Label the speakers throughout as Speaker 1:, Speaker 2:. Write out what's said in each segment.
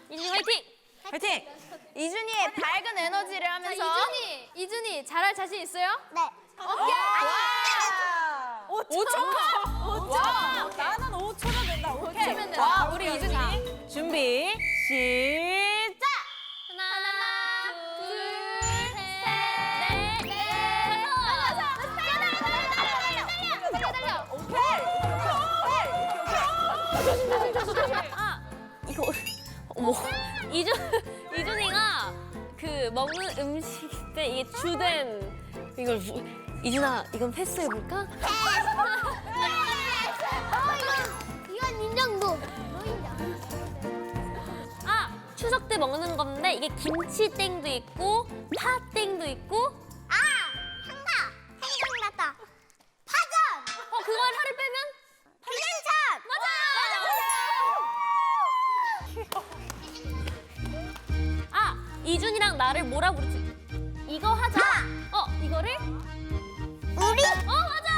Speaker 1: 이준이 화이팅!
Speaker 2: 화이팅! 이준이의 밝은 에너지를 하면서
Speaker 1: 이준이 잘할 자신 있어요?
Speaker 3: 네.
Speaker 2: 오케이! 5초! 와! 나는 5초면 된다. 오케이.
Speaker 1: 5초면 된다.
Speaker 2: 와, 우리 이준이. 준비, 시작!
Speaker 1: 하나, 둘, 셋, 넷, 다섯. 달려. 아, 이거 어머. 이준이가 그 먹는 음식인데 이게 주된 이걸 이준아 이건 패스해 볼까?
Speaker 3: 이건 인정도.
Speaker 1: 아 추석 때 먹는 건데 이게 김치땡도 있고 파땡도 있고
Speaker 3: 아, 한다. 생각났다. 파전.
Speaker 1: 그걸 하루 빼면
Speaker 3: 비빔밥.
Speaker 1: 아 이준이랑 나를 뭐라 부르지? 이거 하자. 이거를
Speaker 3: 우리.
Speaker 1: 맞아.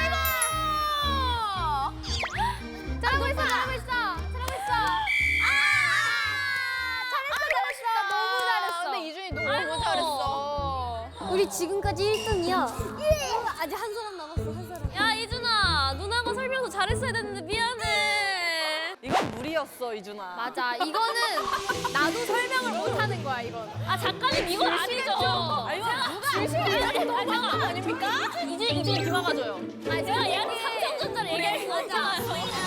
Speaker 1: 잘하고 있어.
Speaker 2: 잘했어. 너무 잘했어. 근데 이준이 너무
Speaker 1: 아이고.
Speaker 2: 잘했어.
Speaker 3: 우리 지금까지 1등이야. 아직 한 사람 남았어. 한 사람.
Speaker 1: 야 이준아 누나가 설명서 잘했어야 됐는데 미안해.
Speaker 2: 이건 무리였어, 이준아.
Speaker 4: 맞아. 이거는 나도 설명을 못 하는 거야, 이건.
Speaker 1: 아 작가님 이건 아니죠.
Speaker 2: 아, 이거 누가
Speaker 1: 잠깐 아닙니까? 이준이 귀 막아줘요. 제가 얘한테 3점 전자를 얘기할 수가 없잖아요.